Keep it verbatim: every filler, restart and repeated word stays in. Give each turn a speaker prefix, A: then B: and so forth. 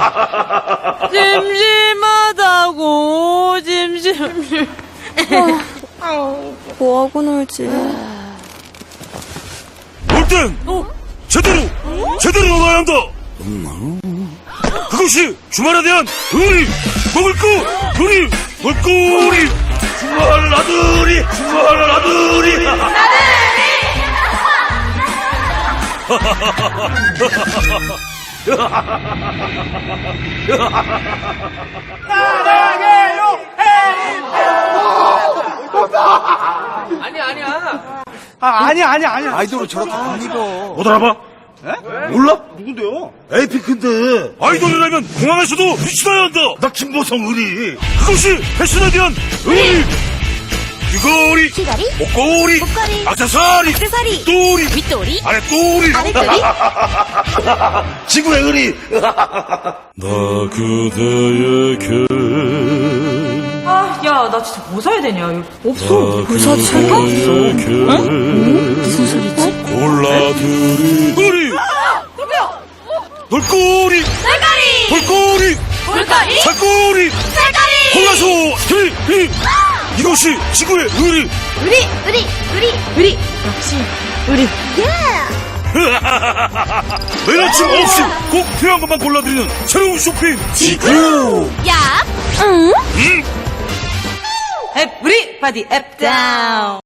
A: 심심하다고 심심.
B: 뭐하고 놀지?
C: 놀 땐 제대로 제대로 놀아야 한다. 그것이 주말에 대한 의리. 먹을 거 의리. 먹거리. 주말 나들이. 주말 나들이.
D: 아니야, 아니야.
E: 아, 아니야, 아니야, 아니야.
F: 아이돌을 저렇게 안 입어.
C: 못 알아봐? 몰라?
E: 누군데요?
C: 에이핑크인데 아이돌이라면 공항에서도 빛이 나야 한다. 나 김보성 의리. 그것이 패션에 대한 의리. 귀걸이,
B: 귀걸이,
C: 목걸이,
B: 목걸이,
C: 액세서리,
B: 액세서리,
C: 똘이,
B: 윗돌이,
C: 아랫돌이,
B: 아랫돌이.
C: 지구의 의리. 나 그대에게
A: 아, 야, 나 진짜 뭐 사야 되냐? 이거 없어.
C: 뭘 사지?
B: 무슨 소리지?
C: 골라드리 의리. 돌꼬리,
B: 쌀가리,
C: 돌꼬리,
B: 볼거리,
C: 살꼬리,
B: 쌀가리.
C: 골라서 히 이것이 지구의 의리.
B: 우리, 우리, 우리,
A: 우리 역시 우리.
C: 매일 아침 아홉 시 꼭 필요한 것만 골라드리는 새로운 쇼핑 지구.
B: 야, 응?
C: 음.
A: 앱 우리 바디 앱 다운.